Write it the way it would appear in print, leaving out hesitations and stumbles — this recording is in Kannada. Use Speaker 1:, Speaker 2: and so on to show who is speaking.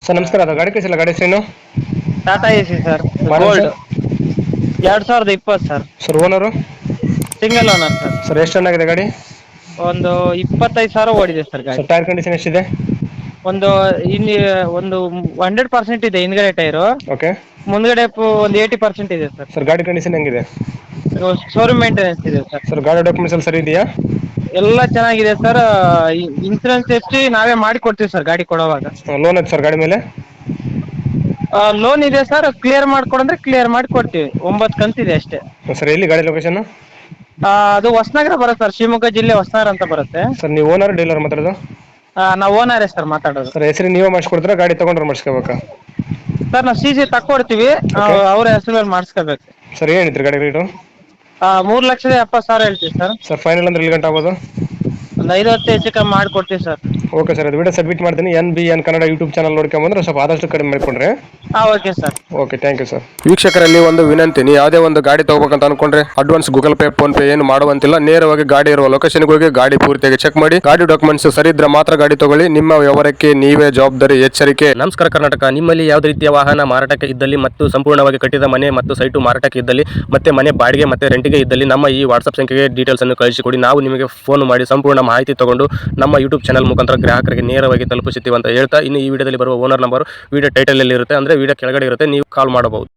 Speaker 1: ಸರ್ ನಮಸ್ಕಾರ. ಅದು ಗಾಡಿ ಕಳಿಸಿಲ್ಲ, ಗಾಡಿ ಹೆಸರೇನು?
Speaker 2: Tata AC sir,
Speaker 1: model
Speaker 2: gold.
Speaker 1: Sir?
Speaker 2: 2020 sir.
Speaker 1: Sir owner?
Speaker 2: Single owner sir.
Speaker 1: Sir ಎಷ್ಟು ಚೆನ್ನಾಗಿದೆ ಗಾಡಿ?
Speaker 2: ಒಂದು 25,000 ಓಡಿದೆ ಸರ್
Speaker 1: ಸರ್
Speaker 2: ಗಾಡಿ.
Speaker 1: ಟೈರ್ ಕಂಡೀಷನ್ ಎಷ್ಟಿದೆ?
Speaker 2: ಒಂದು ಇಲ್ಲಿ ಒಂದು 100% ಇದೆ ಹಿಂದ್ಗಡೆ ಟೈರು.
Speaker 1: ಓಕೆ.
Speaker 2: ಮುಂದ್ಗಡೆ ಒಂದು 80% ಇದೆ ಸರ್.
Speaker 1: ಗಾಡಿ ಕಂಡೀಷನ್ ಹೆಂಗಿದೆ?
Speaker 2: ಶೋರೂಮ್ ಮೇಂಟೆನೆನ್ಸ್ ಇದೆ ಸರ್.
Speaker 1: ಸರ್ ಗಾಡಿ ಡಾಕ್ಯುಮೆಂಟ್ಸ್ ಎಲ್ಲ ಸರಿ ಇದೆಯಾ?
Speaker 2: ಎಲ್ಲ ಚೆನ್ನಾಗಿದೆ ಸರ್. ಇನ್ಸೂರೆನ್ಸ್ ಎಫ್ಸಿ ನಾವೇ ಮಾಡಿ ಕೊಡ್ತೀವಿ ಸರ್ ಗಾಡಿ ಕೊಡೋವಾಗ.
Speaker 1: ಲೋನ್ ಐತೆ ಸರ್ ಗಾಡಿ ಮೇಲೆ?
Speaker 2: ಲೋನ್ ಇದೆ ಸರ್. ಕ್ಲಿಯರ್ ಮಾಡ್ಕೊಡಂದ್ರೆ ಕ್ಲಿಯರ್ ಮಾಡಿ ಕೊಡ್ತೀವಿ. 9 ಕಂತಿದೆ ಅಷ್ಟೇ.
Speaker 1: ಸರ್ ಎಲ್ಲಿ ಗಾಡಿ ಲೊಕೇಶನ್?
Speaker 2: ಅದು ಹೊಸನಗರ ಬರುತ್ತೆ ಸರ್, ಶಿವಮೊಗ್ಗ ಜಿಲ್ಲೆ ಹೊಸನಗರ ಅಂತ ಬರುತ್ತೆ.
Speaker 1: ಸರ್ ನೀವು ಓನರ್ ಡೀಲರ್ ಮಾತಾಡೋದು?
Speaker 2: ನಾವು ಓನರೇ ಸರ್ ಮಾತಾಡೋದು.
Speaker 1: ಸರ್ ಹೆಸರು ನೀವೇ ಮಾಡಿಸ್ಕೊಡ್ತೀರಾ, ಗಾಡಿ ತೊಗೊಂಡ್ರೆ ಮಾಡಿಸ್ಕೋಬೇಕಾ?
Speaker 2: ಸರ್ ನಾವು CC ತಕ್ಕೊಡ್ತೀವಿ,
Speaker 1: ಓಕೆ.
Speaker 2: ಅವ್ರ ಹೆಸರು ಮೇಲೆ ಮಾಡಿಸ್ಕೋಬೇಕು.
Speaker 1: ಸರ್ ಏನಿದ್ರಿ ಗಾಡಿ ರೇಟು?
Speaker 2: 3,70,000 ಹೇಳ್ತೀವಿ ಸರ್.
Speaker 1: ಸರ್ ಫೈನಲ್ ಅಂದ್ರೆ ಎಲ್ಲಿ ಗಂಟೆ ಆಗ್ಬೋದು?
Speaker 2: ಒಂದು 5-10 ಹೆಚ್ಚು ಕಮ್ಮಿ ಮಾಡಿಕೊಡ್ತೀವಿ ಸರ್.
Speaker 1: ಓಕೆ ಸರ್, ಅದು ವಿಡಿಯೋ ಸಬ್ಮಿಟ್ ಮಾಡ್ತೀನಿ. NBN ಕನ್ನಡ ಯೂಟ್ಯೂಬ್ ಚಾನಲ್ ನೋಡ್ಕೊಂಬಂದ್ರೆ ಸ್ವಲ್ಪ ಆದಷ್ಟು ಕಡಿಮೆ ಮಾಡಿಕೊಂಡ್ರೆ.
Speaker 2: Okay sir.
Speaker 1: Okay, thank you sir. ವೀಕ್ಷಕರಲ್ಲಿ ಒಂದು ವಿನಂತಿ, ನೀವು ಯಾವುದೇ ಒಂದು ಗಾಡಿ ತಗೋಬೇಕಂತ ಅನ್ಕೊಂಡ್ರೆ advance Google Pay, PhonePe ಏನು ಮಾಡುವಂತಿಲ್ಲ. ನೇರವಾಗಿ ಗಾಡಿ ಇರುವ ಲೊಕೇಶನ್ಗೆ ಹೋಗಿ ಗಾಡಿ ಪೂರ್ತಿಯಾಗಿ ಚೆಕ್ ಮಾಡಿ, ಗಾಡಿ ಡಾಕ್ಯುಮೆಂಟ್ಸ್ ಸರಿ ಇದ್ರೆ ಮಾತ್ರ ಗಾಡಿ ತಗೊಳ್ಳಿ. ನಿಮ್ಮ ವ್ಯವಹಾರಕ್ಕೆ ನೀವೇ ಜವಾಬ್ದಾರಿ. ಎಚ್ಚರಿಕೆ.
Speaker 3: ನಮಸ್ಕಾರ ಕರ್ನಾಟಕ. ನಿಮ್ಮಲ್ಲಿ ಯಾವುದೇ ರೀತಿಯ ವಾಹನ ಮಾರಾಟಕ್ಕೆ ಇದ್ದಲ್ಲಿ ಮತ್ತು ಸಂಪೂರ್ಣವಾಗಿ ಕಟ್ಟಿದ ಮನೆ ಮತ್ತು ಸೈಟು ಮಾರಾಟಕ್ಕೆ ಇದ್ದಲ್ಲಿ ಮತ್ತೆ ಮನೆ ಬಾಡಿಗೆ ಮತ್ತೆ ರೆಂಟಿಗೆ ಇದ್ದಲ್ಲಿ ನಮ್ಮ ಈ ವಾಟ್ಸ್ಆಪ್ ಸಂಖ್ಯೆಗೆ ಡೀಟೇಲ್ಸ್ ಅನ್ನು ಕಳಿಸಿಕೊಡಿ. ನಾವು ನಿಮಗೆ ಫೋನ್ ಮಾಡಿ ಸಂಪೂರ್ಣ ಮಾಹಿತಿ ತಗೊಂಡು ನಮ್ಮ ಯೂಟ್ಯೂಬ್ ಚಾನಲ್ ಮುಖಾಂತರ ಗ್ರಾಹಕರಿಗೆ ನೇರವಾಗಿ ತಲುಪಿಸುತ್ತೀವಿ ಅಂತ ಹೇಳ್ತಾ, ಇನ್ನು ಈ ವಿಡಿಯೋದಲ್ಲಿ ಬರುವ ಓನರ್ ನಂಬರ್ ವಿಡಿಯೋ ಟೈಟಲ್ ಅಲ್ಲಿ ಇರುತ್ತೆ, ಅಂದ್ರೆ ವಿಡಿಯೋ ಕೆಳಗಡೆ ಇರುತ್ತೆ, ನೀವು ಕಾಲ್ ಮಾಡಬಹುದು.